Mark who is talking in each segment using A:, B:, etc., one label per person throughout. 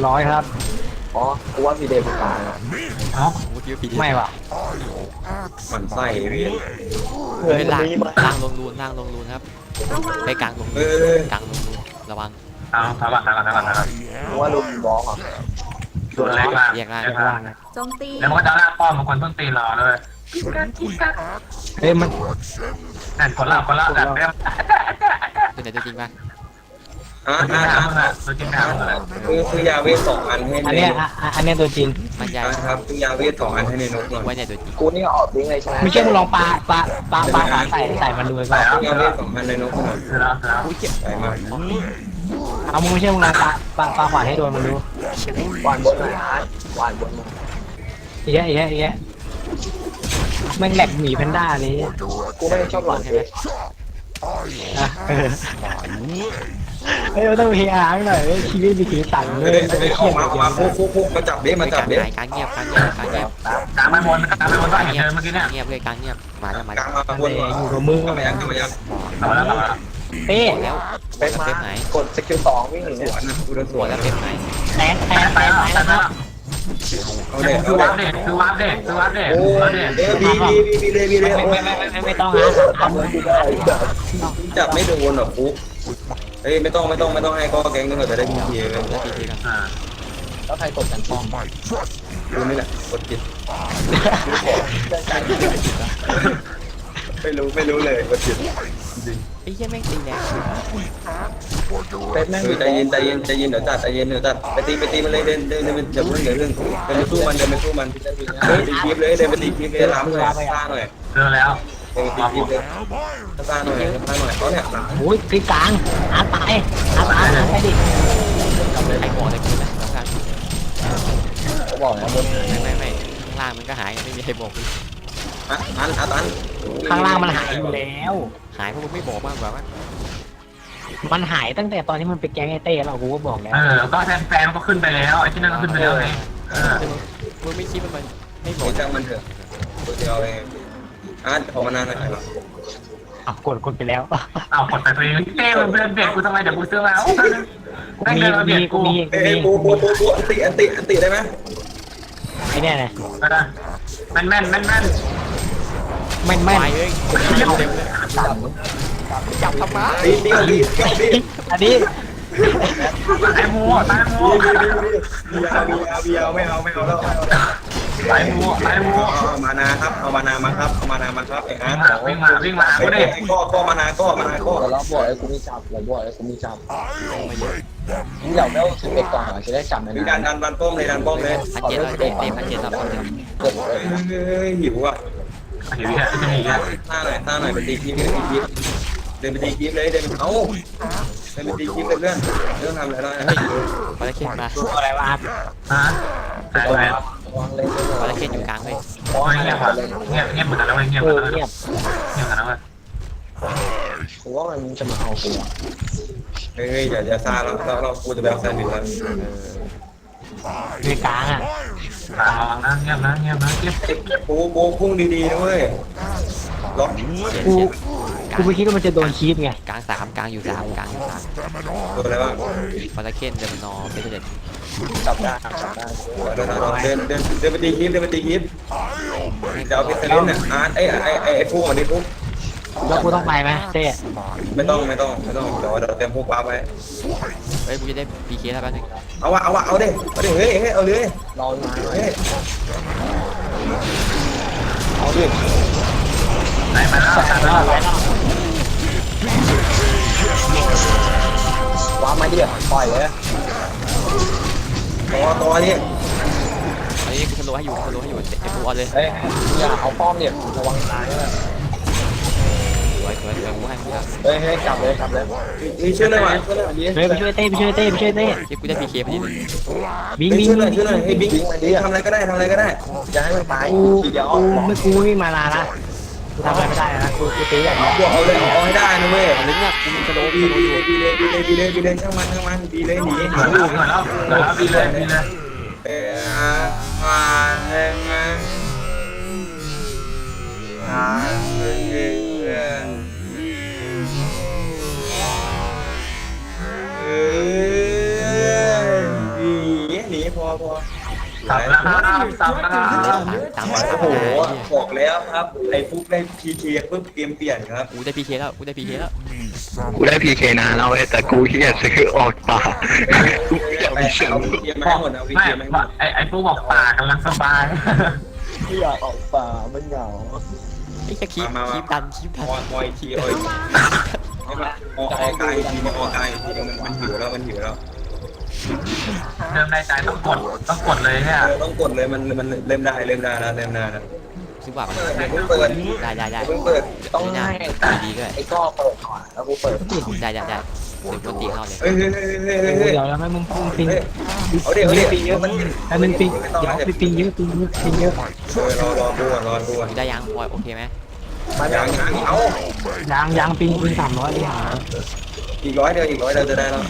A: ร้อยครับ
B: อ๋อกูว่าพีเดย์เป็นกลางอะ
C: เอ้า
D: เมื่อกี้ผี
A: ไม่ว่ะ
E: มันไส้เวียน
D: เฮ้ยล่างลงรูนล่างลงรูนครับไปกลางลง
E: เอ
D: รูน
E: อก
D: ลางลงรูนระวัง
C: เอาถอยก่อนถอยก่อนถอยก่อนถอยก่อน
B: กูว่าลูกบอลอ่ะ
C: ตัวเล็กมาก
D: เรียกได้
C: เล็ก
A: ข้าง
C: มาก
A: ล่างนะ
F: โจมตี
C: แล้วมันก็จะลากป้อมบางคนต้นตีรอเลย
A: เฮ้ยมัน
C: แต่คนละแต่เรื่อง
D: ตัวไหนตัวจริงป่ะ
E: อ่ะ
C: ตัวจริงนะตัวจริงนะ
E: ซื้อยาเวท2 อันให้
A: อัน
E: ใน
A: เนี้ยอันเนี้ยตัวจริง
D: มันใหญ่
E: ครับซื้อยาเวท2 อันให้ในนกหน่อย
D: ไว้เนี่ยตัวจริง
B: กูนี่ออกลิงก์เลยใช่ไหม
A: ไม่เชื่อมึงลองปลาขวาใส่มันดูไปก่อน
E: ซื้อยาเวท2 อันในนกหน่อย
C: คือแล้ว
D: อุ้ยเจ็บ
E: ใส่มา
A: เอามึงไม่เชื่อมึงลองปลาขวาให้โดนมันดู
B: หวานบนหน่อยอาร์ตหวานบนหน่อย
A: อีกแยะแม่งแหลกหมีแพนด้าเลย
B: กูไม่ได้ชอบหวาน
D: ใช่ไหม
A: อ่ะเฮ้ยเราต้องพีอาร์หน่อยชีวิตมีสีสันเลยจะไม่เครียด
E: ออกมาคุกมาจับเด้มาจับเด้
D: กลางเงียบ
C: กลางไปบนก็เห็นเดินเมื่อกี้เนี่ย
D: เงียบเลยกลางเงียบมาแล้ว
E: กลางมาบน
A: อยู่กับมึง
E: เข้ามายังเข้ามายัง
C: เอาแล้ว
A: เต้
D: แล้ว
B: เป็นมา
D: ไหน
B: กดสกิล2วิ่งหนี
E: สวนนะกูเดินส
D: หั
E: ว
D: วน แล้วเป็นไหน
A: แตก
C: ไปแล้ว
E: เอาเด็ก
C: คือ
E: เอา
C: วั
E: เด็
C: ด
E: ก
C: เด็กคือวัดเด็กคือวัดเด็ก
E: โอ้
C: วัด
E: ย
C: เด็ก
E: เอ้ยบีเลยโอ้ย
A: ไม่ต้องหาทำ
E: จับไม่โดนหรอกฟุกเฮ้ยไม่ต้องให้ก็แก๊งนึงก็จะได้พีเลย
D: แล้วทีทีกัน
C: อ่า
B: แล้วใครกดกันป้อม
E: กูนี่แหละกดจิตไม่รู้เลยกดจิต
D: ไอ้เหี้ยแม่งตีแรง
B: เป็นแม่ง
E: ใจเย็นเดี๋ยวจัดใจเย็นไปตีมันเลยเดินอย่าเพิ่งเดินไปสู้มันเฮ้ยตีคลิปเลยเดินไปตีคลิปเลยล้ำเลยซ่าหน่อย
C: เจอแล้ว
E: เดินตีคลิปเลยซ่าหน่อยเขาเนี่ย
A: โอ้ยคือกลางอาตายไปดิ
D: ไอ้หัวตะกี้นะข้าง
B: เขาบอกนะบน
D: ไม่ข้างล่างมันก็หายไม่มีใครบอก
E: อัน
A: ข้างล่างมันหายอยู่แล้ว
D: หายเพราะมึงไม่บอกมากกว่าว่า
A: มันหายตั้งแต่ตอนที่มันไปแก๊งไอเต้แล้วกูก็บอกแล้ว
C: ก็แฟนก็ขึ้นไปแล้วไอ้ที่นั่นก็ขึ้นไปแล้วไง
D: มึงไม่คิดว่ามันไม่บ
E: โห
D: อก
E: จังมันเถอะตัวเดียวเองออกมานานหน่อยหรอ
A: อ้าวกดไปแล้ว
C: เอากดแต่ตัวเองเต้มันเบียดกูทำไมเดี๋ยวกูซื้อแล้วแม่งเดินมาเบียดกู
E: เอ้ยปูอันติได้ไหม
A: ไอเนี่ยนะ
C: แม่น
A: แม่น
D: ไปเลยเต็มเลยจับทำไม
E: ดี
A: อันนี้
C: ตายมูตายมู
E: เบียไม่เอาแล้ว
C: ตายมู
E: เอามานาครับเอามานามาครับไอ้ฮะ
C: วิ่งมากูดิ
E: ก็มานาก็
B: แต่เราบอกไอ้กูมีจับเราบอกไอ้กูมีจับมึงอยากได้11ก่อนจะได้จับไหม
E: มี
B: นะ
E: ดันป้อมเลย
D: 1,700เต็ม1,700รับเต็ม
B: กด
E: เฮ้ยหิวอ่ะ
C: เดี๋ยวจะมีอ่ะ
E: ท่าหน่อยไปตีคลิปเดินไปตีคลิปเลยเดินเอาเดินไปตีคลิปเลยเพื่อนเรื่องทำอะไรแล้วนะ
D: ปลาเค็นมา
A: อะไรวะ
C: ฮะตายแล้ว
B: วางเลย
D: ปลาเค็นอยู่กลางเลย
C: เงียบเหมือนกันแล้วเงียบ
A: เอ
C: กัน
A: อ
C: แล้ว
A: เงียบ
C: เงียบกันแล้ว
B: กูว่ามันจะมาเอากู
E: เฮ้ยอย่าซาเรากูจะไปเอาแซนด์วิชแล้ว
A: ในกลางอ่ะ
C: ระวังนะเงียบนะเก็บ
E: ปูพุ่งดีๆนะเว้ยล็อก
A: กูไม่คิดว่ามันจะโดนคีบไง
D: กลาง3กลางอยู่3กลางอยู่3
E: ตัวอะไรบ้าง
D: ปลาเค็นเดมนอเป็นเด็ด
B: จับได้
E: เดินไปตีคลิปจะเอาพิซซ่าเนี่ยไอ้พุ่งอันนี้พุ่ง
A: แล้วกูต้องไปไหมเต้
E: ไม่ต้องเดี๋ยวเต็มพุ่งปั๊บไว้
D: เฮ้ยกูจะได้ PK แล้วแป๊บนึง
E: เอาดิเฮ้ยเอาเลย
B: รอมา
E: เฮ้ย
B: เอาดิ
C: ไหนมาแล้ว
B: วางมาดิปล่อยเลย
E: ตัวนี้
D: อันนี้กูทะลุให้อยู่เต็มตัวเลย
B: เฮ้ยอย่าเอาป้อมเนี่ยระวังตายด้วย
D: สวยกูให้มึงแล้ว
B: เฮ้ยจับเลย
E: มีชื่อหน่อย
A: เฮ้ยไปช่วยเต้
D: ที่กูได้ PK พอดีเลย
A: บิง
E: ชื่อหน่อยให้บิ๊กทำอะไรก็ได้
B: อย่าให้มันตาย
A: กู
B: เดี๋ยว
A: ไม่มาลาละกูทำอะไรไม่ได้นะกูตีอย่างนี้
E: บวกเอาเลยเอาให้ได้นะเว้ย
D: ลิงเนี่ยกูมีสโลว์
E: บีเลยช่างมันบีเลยหนี
C: เหมือนแล้วดีเลย
E: มาเองดี
C: สับแล้วครับสับแล้วค
D: เล่
C: รั
D: น
C: บ
D: ตังค์
E: โอ้โหบอกแล้วครับไอ้ฟุกได้พีเคปุ๊บเกมเปลี่ยนครับ
D: กูได้พีเคแล้วกูได้พีเคแล้ว
F: กูได้พีเคนานแล้วเว้ยแต่กูเฮียซื้อออกป่ากูอยากมีเสียง
E: เอาพีเคมาให้หมดเอาพีเคมาให้หมด
C: ไอ้พวกบอกป่ากำลังสบาย
B: ไม่อยากออกป่ามันเหงา
D: ไอ้จะคีบดันคีบดัน
E: มอยทีเอาให้มาออกกายทีมาออกกายทีมันหิวแล้วมันหิวแล้ว
C: เริ่มในใจต้องกดเลยเนี่ย
E: ต้องกดเลยมันเริ่มได้แล้วเริ่มได้แล้ว
D: ซื้อว่า
E: เดี๋ยวเพิ่งเปิด
D: ได้
E: เพิ่งเปิด
B: ต้อง
D: นี่นะ
B: ให้
D: ดีด้วย
B: ไอ้ก้อเปิดก่อนแล้วกูเปิด
D: ได้เดี๋ยวกูตีเข้าเลย
E: เฮ้ย
A: เดี๋ยวแล้วให้มึงปิง
E: เอาเดี๋ยวปีเยอะมัน
A: ให้มึงปิงเดี๋ยวปิงเยอะปิงเยอะ
E: รอดูก่อน
D: ได้ยังพลอยโอเคไหม
E: ยังเอา
A: ยังปิง300เลยหา
E: อีก100เดียวจะได้แล้ว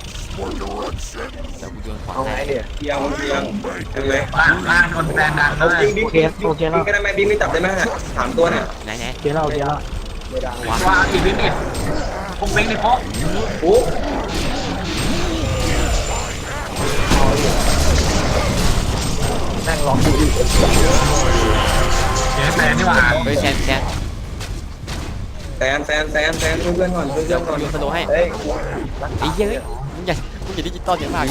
D: เดี๋ยวกูโยนขวา
B: เอาไง
D: ให้
B: เนี่ย
E: เพียงใช่ไหม
C: ล่างคนแซนดังเลย
E: บิ๊กก็ได้ไหมบิ๊กไม่จับได้ไหม3ตัวเนี่ย
D: ไหน
A: เดี๋ยวเรา
B: ไม่ได้
C: ว่าอีกนิดนิดพวกวิ่งในพวก
E: ปุ๊บ
B: นั่งร้องดูอีก
C: เจ๊แซนนี่หว่า
D: เฮ้ยแซน
E: แซนเพื่อนก่อน
D: เดี๋ยวโยนสโลให้
B: เฮ้ย
D: ไอ้เหี้ยมึงอย่าดิจิตอลเยอะมาก
E: บี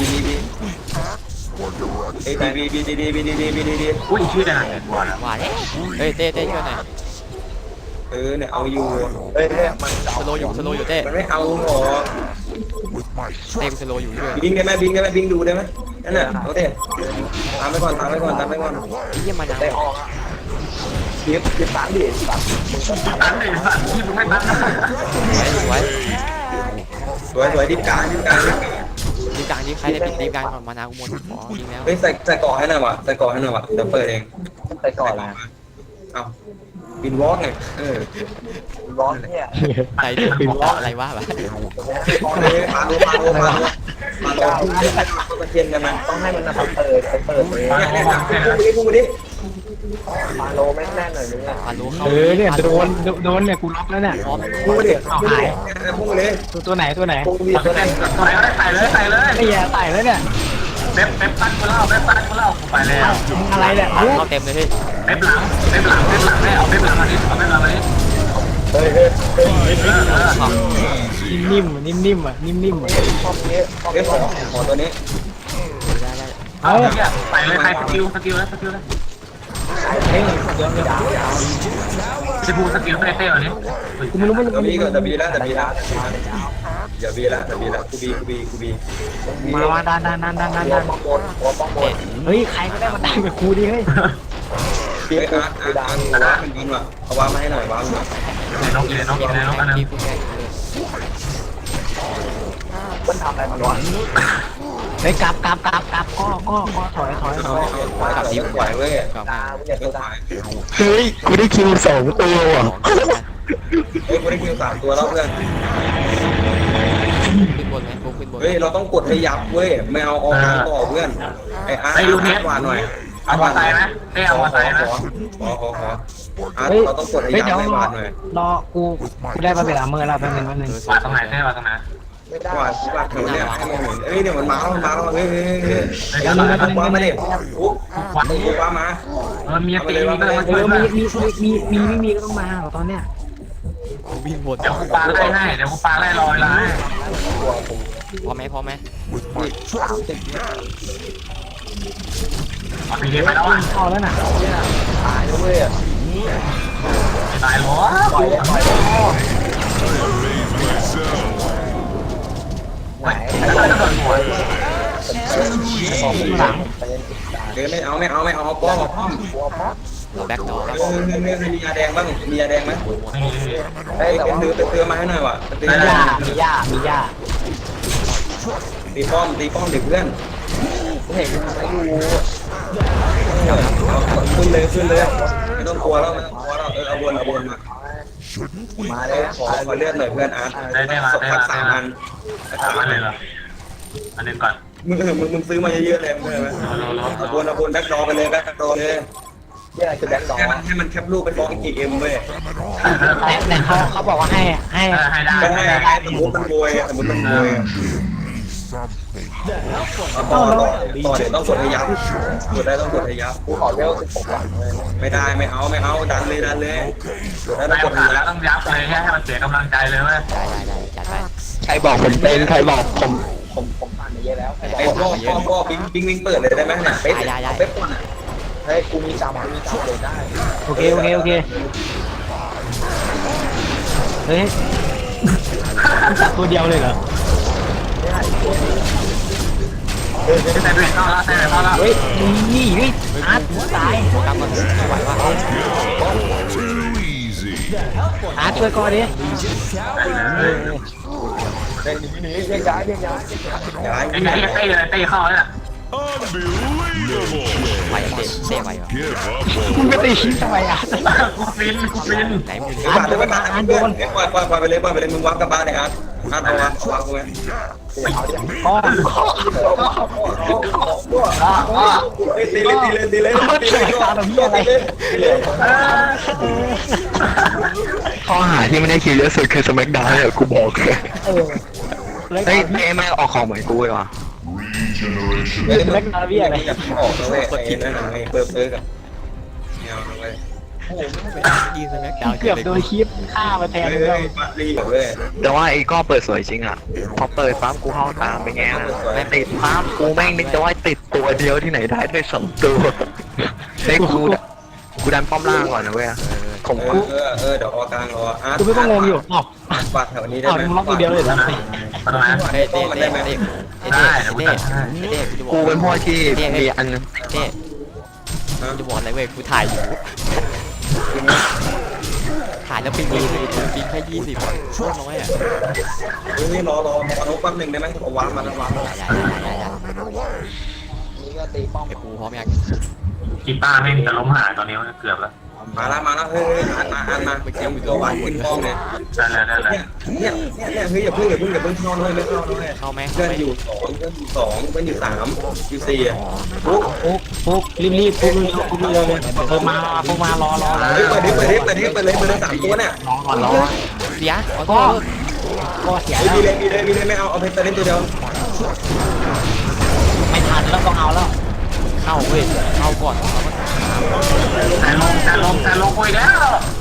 E: ดี
C: อุ้ยชื่ออะไรเนี่ย
D: ว่าแล้วเฮ้ยเต้ช่วยหน่อย
E: เนี่ยเอาอยู่
B: เฮ้ยเนี่ยมัน
D: สโลอยู่เต้
E: มันไม่เอาหรอ
D: เต้กูสโลอยู่ด้วย
E: บิงได้ไหมบิงดูได้ไหมนั่นน่ะเอาเถอะตามไปก่อน
D: ไอ้เหี้ยมายัง
B: ได้ออกคลิปตังดิตัง
C: ตันเลยสัตว์ที่มึงไม่ตัน
D: ไว้
E: สวยดิบกลาง
D: ดีกลางดีใครได้ปิดดีกลางก่อนมานากูหมดอ๋อดีแล้ว
E: เฮ้ยใส่เกาะให้หน่อยวะเดี๋ยวเปิดเอง
B: ไปก่อนละ
E: เอาบินวอล์กไง
B: ร้อนเนี่ย
D: ใจเดือดบอกอะไรวะ
E: มาโลตะเคียนกันมา
B: ต้องให้มันมาเปิดเลย
E: เนี่ยพูดมาดิ
B: มาโลไม่แน่นหน่อยนึงอ่ะ
D: ปาลูเข้า
A: เนี่ยโดนเนี่ยกูล็อกแล้วเนี่ย
D: พร้อม
E: พูดมาดิ
A: เอาหาย
E: พูดมาเลย
A: ตัวไหน
E: พูดมี
C: ตัวไหนตัวไหนก็ได้ใส่เลย
A: ไอ้แย่ไต่แล้วเนี่ย
C: เว็บตั้งกูเล่ากูไปแล้ว
A: อะไรเนี่ย
D: เข้าเต็มเลยพี่
C: เว็บหลังได้เอาเว็บหลังมาดิเอาเว็บหลังมาดิ
B: เฮ้ย
A: นิ่มๆนิ่มๆนิ่มๆ
B: ชอบนี้
E: เอ้ขอตัวนี้
D: ได้
C: เอาเนี่ยใส่เลยใครสกิลเลย
A: เฮ้ยเดี๋ยว
C: จะพูสกิลเต้วันนี้
A: กูไม่รู้มัน
E: ตัวบีก่อนตัวบีแล้วอย่าบีละกูบี
A: มาดัน
B: ป้องบน
A: เฮ้ยใครก็ได้มาดันกับกูดิเฮ้ย
E: เฮ้ยอาร์ตว่ามันยิงว่ะเอาว่ามาให้หน่อยว่า
C: น้องอันนั้น
D: พี่พูดแค่
B: มันทำอะไรมันวะ
A: เฮ้ยกลับก็ถอย
E: กับทีมไหวเว้ย
D: กลับ
B: ตา
D: มา
B: เนี่ยตัวตา
F: เฮ้ยกูได้คิว2 ตัวว่ะ
E: เฮ้ยกูได้คิว3ตัวแล้วเพื่อน
D: ขึ้นบนไหมขึ้นบน
E: เฮ้ยเราต้องกดให้ยับเว้ยไม่เอาออกมาต่อเพื่อนไอ้อาร์ตกว่าหน่อย
C: เอามาใส่ไหมเอามาใส่ไหม
E: ขออาร์ตเราต้องกดให้ยับให้หวานหน่อย
A: รอกูได้มาเป็นอาเมอร์แล้วแป๊บนึง
C: มาตรงไหนได้มาตรงไหน
B: ไม่ได้
E: หวานแถวเนี่ยเฮ้ยเดี๋ยวมันมาแล้วเฮ้ย
C: ยั
E: ว่ามาดิปุ๊บ
C: ควัน
E: ปุ๊บว่ามา
C: มีตีมีก็มาช่วย
A: มีก็ต้องมาตอนเนี้ย
D: วิ่งบน
C: เดี๋ยวกูปาไล่ให้เดี๋ยวกูปาไล่ลอยไล่
D: พอไหม
B: 30
C: เอาไปเรียนไปแล้วอ่ะ
A: พอแล้วน่ะ
B: ตายด้วยอ่ะ
C: ตายหรอ
B: ปล่อยไหน
C: แล้วก็โดนหัว
A: หลัง
E: เดี๋ยวไม่เอาป้อม
D: เราแบ็คดอร์ครับ
E: มียาแดงบ้างมียาแดงไหม
B: เฮ้ยแต่ว่า
E: เตือมาให้หน่อยว่ะตี
A: มีย่า
E: ตีป้อมเด็กเพื่อน
B: เห็นไม่รู้
E: ขึ้นเลยไม่ต้องกลัวแล้วเอาวนมา
B: มาเลย
E: ขอเลือดหน่อยเพื่อนอาร์ตสัก3 อัน
C: อันเลยเหรออันนึงก่อน
E: มึงซื้อมาเยอะๆเลยเพื่อนไหมเอาวนแบ็คดอไปเลยแบ็คดอเลย
B: ที่อะไรคือแบ็คดอ
E: ให้มันแคปรูปไปฟ้องอีกเอ็มเว้ย
A: แต่เขาบอกว่าให้
C: ให้ได้
E: ก็ให้สมมติมันโวยต่อเดี๋ยวต้องกดให้ยับกดได้ต้องกดให้ยับ
B: กูขอเวล16ก่อนเลย
E: ไม่ได้ไม่เอาดันเลยแล้ว
C: ไม่
E: ต้องกดให้
C: ขาด
E: ยั
C: แล้ว
E: บ
C: ต้องยับเลยให้มันเสียกำลังใจเลยเว้ย
D: ได้จัดไป
F: ใครบอกผมเป็นใครบอกผม
B: ผมผ่านมาเยอะแล้ว
E: ไอ้พ่อบิงเปิดเลยได้ไหมเนี่ยเป๊ะก่อนอ่ะ
B: เฮ้ยกูมีจำเลยได้
A: โอเคเฮ้ยจับตัวเดียวเลยเหรอ
C: แต่เบรกเข้าแล้ว
A: เฮ้ยนี่อาร์ตตาย
D: โฟกัสมันไม่ไหวว่ะ
A: อาร์ตช่วยก่อนดิ
B: เดินหนีเรียกย้าย
E: ย้าย
C: ไอ้เต้เข้าแล้ว
D: ไหวเต้ไหวเหรอ
A: มึงไปตีชิ้นทำไมอาร์ต
C: กูฟิน
D: ไหนมึง
E: ปาดเลยปาดเพื่อนปล่อยไปเลยมึงวางกับบ้านเลยครับเอาวางกูไหม
A: พ่อ
E: ตีเลย
F: ข้อหาที่ไม่ได้คิดเยอะสุดคือสมักดาวเนี่ยกูบอกเลย เฮ้ยไม่ออกของเหมือนกูเลยวะ
E: อยากออกแล้วเว้ยไอ้นั่นไอ้เปิร์กับเนี่ยเว้ย
D: ยิงสแม็กดาว
A: เกือบโดนคลิปฆ่ามาแทน
E: เฮ้
A: เลย
E: ยปัดรีเว้ย
F: แต่ว่าไอ้ก็เปิดสวยจริงอ่ะพอเปิดปั๊บกูเข้าตามไปแง่ไม่ติดปั๊บกูแม่งนึกจะว่าติดตัวเดียวที่ไหนได้ด้วย2 ตัวเฮ้ยกูดันป้อมล่างก่อนนะเว้ยผม
E: เดี๋ยวออกลางรออาร์ต
A: กูไม่ต้องงงอยู่อ้าว
E: ปัดแถวนี้ได้
A: อ้าว
E: ไหม
A: มึงล็อกตัวเดียวเลยเหรอ
C: ตรงนั้น
D: เต้กูจะบอก
F: กูเป็นพวกที่มีอัน
D: เต้กูจะบอกอะไรเว้ยกูถ่ายอยู่ถ่ายแล้วปิงเลยปิงแค่20โคตรน้อยอ่ะ
E: นี่รอนุ๊กแป๊บนึงได้ไหมเอาวางมาแล้ววาง
B: นี่ก็ตีป้อม
D: ไอ้ปูพร้อมยัง
C: กีตาร์ไม่จะล้มหายตอนนี้เกือบแล้ว
E: มาแล้วเฮ้ยอันมายังมีตัววางขึ้นป้อมเลย
C: ได้
E: เนี่ยเฮ้ยอย่าเพิ่งเข้าเลยไม่เข้าเลย
D: เข้าไหม
E: เพื่อนอยู่2เพื่อนอยู่3อยู่4ปุ๊บ
A: ปุ๊กรีบปุ๊กเลยมารอ
E: เฮ้ยเปิดเลย3ตัวเนี่ย
A: รอ
D: เสียขอโทษ
A: ก็เสีย
E: มี
A: แล้ว
E: เลยไม่เอาเพชรเล่นตัวเดียว
A: ไม่ทันแล้วต้องเอาแล้ว
D: เข้าเว้ยเข้าก่อน
C: แต่ลงไปแล้ว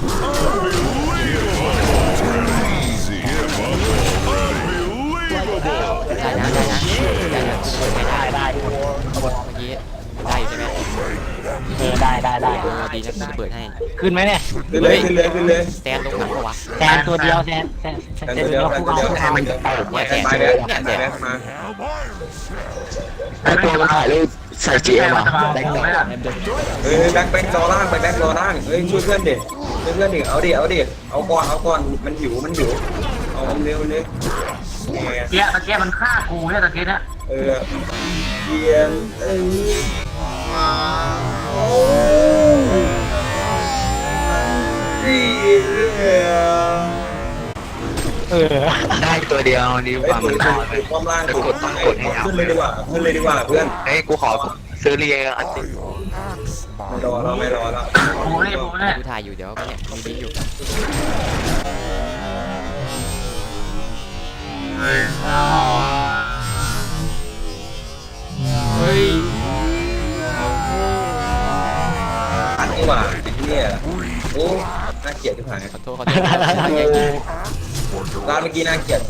D: ได้นะเปิดไม่ได้เมื่อกี้ได้ใช่ไหม
A: ได้
D: ดีนะจะเปิดให้
A: ขึ้นไหมเนี่ย
E: ขึ้นเลย
D: แตนลงหนักปะวะ
A: แทนตัวเดียวแทนตัวเดียวคู่เอา
F: ให้มันตก
E: ไปแล้วมา
F: ไอ้ตัวมันถ่ายรูปใส่จีเอ็มอ่ะ
E: เฮ้ยแบ็ครอล่างเฮ้ยช่วยเพื่อนดิเอาก่อนมันหิวเอาเร็วเลย
C: ตะเกียมันฆ่ากูเนี่ยตะเกียเนี่ย
E: เยียน
F: ได้ตัวเดียวดีกว่ามัน
E: ความล่างขึ้นเลยดีกว่าเพื่อน
F: เฮ้ยกูขอซื้อเรียอันติ
E: ไม่รอแล้ว
C: กูเนี่ย
D: กูถ่ายอยู่เดี๋ยวเนี่ยมีบินอยู่เฮ้ย
E: อันนี้ว่าเนี่ยโอ้น่าเกลียดที่ผ่าน
D: ขอโทษ
E: ร้านเมื่อกี้น่าเกลียดกู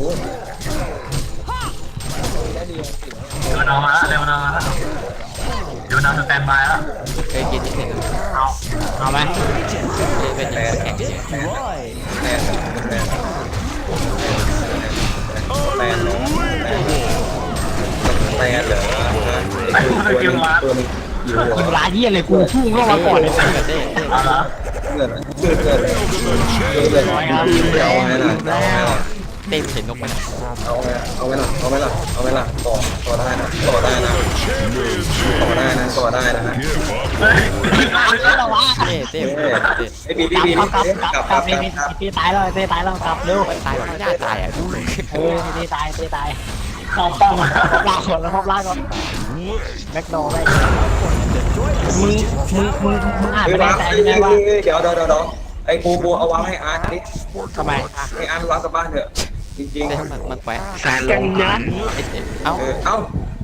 C: เร็วนอนมาแล้วเดี๋ยวนอนสแตนบายแล้ว
D: เคยกินที่เห็น
A: เอาไหม
D: เป็นแข่งเฉย
E: แตนเหรอ
A: กินร้านเยี่ยเลยกูพุ่งเข้ามาก่อนเลย
D: เต้
C: เอาละ
E: เ
D: เห็นนกมัน
E: เอาไว้ล่ะต่อได้นะ
D: เต้
E: ไอ้บี
A: กลับตีตายแล้วกลับเร็ว
D: ตายไม่น่าตายอ่ะ
A: ตีตาย
C: เข้าป้อม
A: ลากก่อนแล้วลากก่อนแบ็คดอร์ได้มึงอ่านไม่ได้ใจยังไงวะ
E: เดี๋ยวไอ้ปูเอาวางให้อาร์ตดิ
A: ทำไม
E: ให้อาร์ตวางกับบ้านเถอะจริง
D: เต้มันแขวะ
F: แซนลงขัน
D: เอ้า
E: เอ้า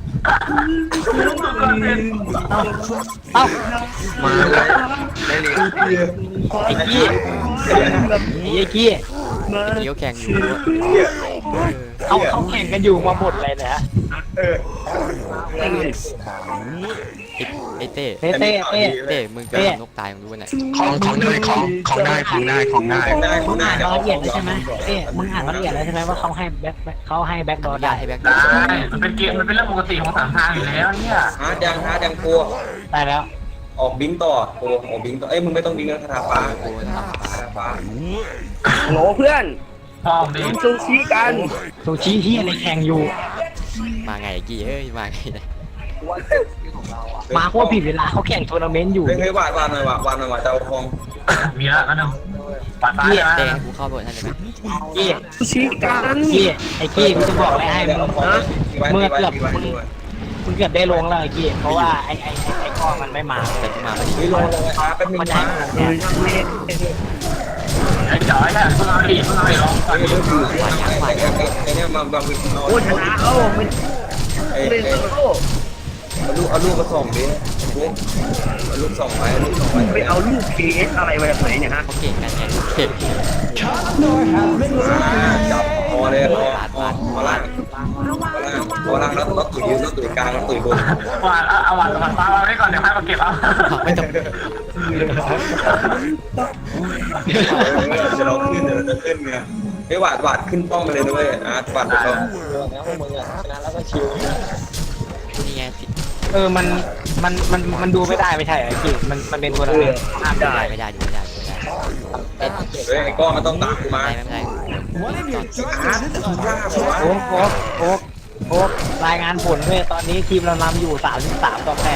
A: เอ้า
F: มาเลยได้เลย
A: ไอ้กี้ไอ้กี้
D: เดี๋ยวแข่งอยู่
A: เขาแข่งกันอยู่มาหมดเลยนะ
D: ไอ้เต้
A: เต้เต้เต้
D: เต้มึงจะนกตายมึงรู้ไหม
F: ของได้ของได้
A: มึงอ่านรายละเอียดแล้วใช่ไหมเต้มึงอ่านรายละเอียดแล้วใช่ไหมว่าเขาให้แบ็คดอ
D: อ
A: ร์
D: นุญา
A: ได้
D: ตให้แบ็ค
C: ได้มันเป็นเกมมันเป็นเรื่องปกติของสามทางอยู่แล้วเนี่ย
E: ฮาร์ดยังกลัว
A: ได้แล้ว
E: ออกบิงต่อโอ้ออกบิงต่อเอ้ยมึงไม่ต้องบิงแล้วคาถาฟ้า
D: โอ้ย
E: คาถาฟ้า
G: โหลเพื่อน
C: พร้อมดิ
G: กินซูชิกัน
A: ซูชิที่อะไรแข่งอยู่
D: มาไงกี่เอ้ยมาไง
A: มาโคตรผิดเวลาเขาแข่งทัวร์นาเมนต์อยู่
E: เฮ้ยวาดหน่อยวาดจะเอาทอง
C: มีแล้วกันหนึ่งปัดตายนะ
D: เต้กูเข้าบทท่านได้ไหม
A: กี้
G: ซูชิกัน
A: กี้ไอ้กี้กูจะบอกอะไรให้มึง
E: มึง
A: มึงเกือบได้ลงแล้วไอ้กี้เพราะว่าไอ้ก้อมันไม่มา
D: แต่กูมาพอดี
E: นี่ลงเลยแป๊บนึง
A: มัน
E: นะ
A: ได้เนี่ย
C: ไอ้จ๋อยอ่ะเพิ่งเอาดิลองก่อน
E: ไอ้เนี่ยมาบังวิน
G: โอ้ชนะโอ้ไม่
E: ไอ้
G: เล่นโอ้
E: เอาลูกมาส่งดิเอาลูกส่งไปเอาลูกส่งไป
G: ไปเอาลูก KS อะไรมาจากไหนเนี่ยฮะ
D: เขาเก่งกันไงเก่ง
E: จับพอเลยพอล่างแล้วตุ๋ยยืนแล้วตุ๋ยกลางแล้วตุ๋ยบน
C: วาดเอาวาดฟ้าไว้ก่อนเดี๋ยวให้มาเก็บเอา
D: ไม่ต้อง
E: จะเราขึ้นเดี๋ยวจะขึ้นไงไอ้หวาดขึ้นป้องไปเลยด้วยอาร์ตหวาดไปก่อน
B: แล้วพวกมึงอ่ะชนะแล้วก็ชิว
D: นี่ไง
A: มันดูไม่ได้ไม่ใช่ไอ้กี้มันเป็นทัวร์นาเมนต์ห้ามได้
D: ไม่ได้ดูไม่ได้ดูไม่ได้เต้น
E: เฮ้ยไอ้ก้อนมันต้องตามกูมา
D: ไม่ได้
E: อาร์ตล่าผมว่า
A: โอ๊กรายงานผลเลยตอนนี้ทีมเรานำอยู่33 ต่อ 8เลย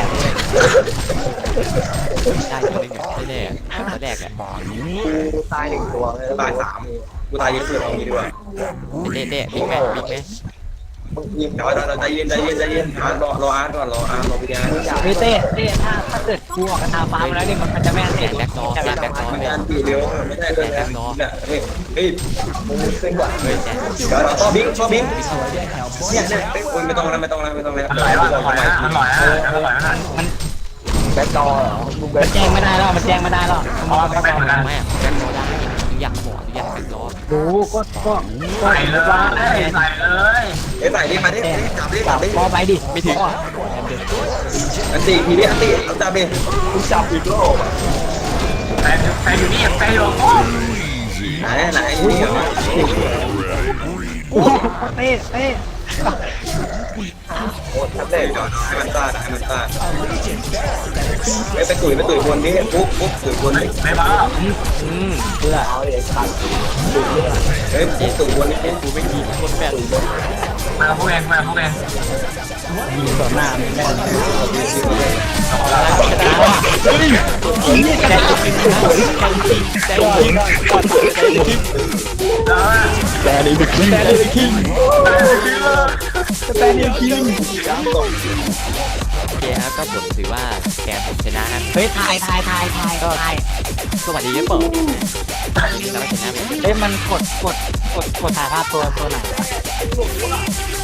D: ได้จริงๆไม่ได้ตัวแรกอะ
B: กูตาย1 ตัวเลย
E: ตาย3กูตายเยอะสุดเอางี้ดีกว่า
D: เต้บิ๊กไหม
B: มึงยิง
E: เดี๋ยวใจเย็นอาร์ตรออาร์ตก่อนรอพี่แดน
A: เฮ้ยเต้ถ้าเกิดกูออกกระทาฟ้ามาแล้วเนี่ยมันจะไม่อันเสียง
D: แบ็คดอร์แบ็คดอร์
E: มันการตีเร็วไม่ได้เลยนะเนี่ยเฮ้ย
B: มึงเส้นกว่า
D: เฮ้ยแจ๊
E: เดี๋ยวเราชอบบิ๊กเนี่ยไม่ต้องแล้ว
C: อร่อยว่ะอร่อยนะอร่อยนะอร่อยนะ
B: แบ็คดอร์เหรอมึงแบ็
A: มัน
B: ค
A: แจ้งไม่ได้แล้วมันแจ้งไม่ได้แล้ว
C: เพราะว่าเป็นเหมือนกัน
D: ไม่อะแบ็คดอร์ได้อยากบอกอยากแบ็คดอร์
A: รู้ก็
C: ใส่เลยใส่เลย
E: เอ้ยใส่ดิมาดิจับดิ
A: พอไปดิ
D: ไม่ถึง
E: อันตีทีนี้อันตีเอาจับดิ
B: มึงจับอีกรอบอ่ะ
C: แต่อยู่นี่แต่อยู่
E: ไหนนี่เหรอ
A: โอ้เต้
B: โอ้ทับเด็ก
E: ให้มันตาไปตุ๋ยบนนี้ปุ๊บตุ๋ยบนนี้
C: ไม่มา
A: เพื่อ
B: เอาเด็กขาด
E: เฮ้ยปุ๊บตุ๋ยบนนี้
D: กูไม่กินคนแปด
C: มาพวกเอง
A: ยิงต่อหน้าไม่ได้แต่นี่เป็นคิงแต่นี่เป็นคิง
D: โอเคครับก็ผมถือว่าแกผมชนะครับ
A: เฮ้ยทาย
D: สวัสดีครับผมแล้วก็ชนะไป
A: เฮ้ยมันกดถ่ายภาพตัวไหน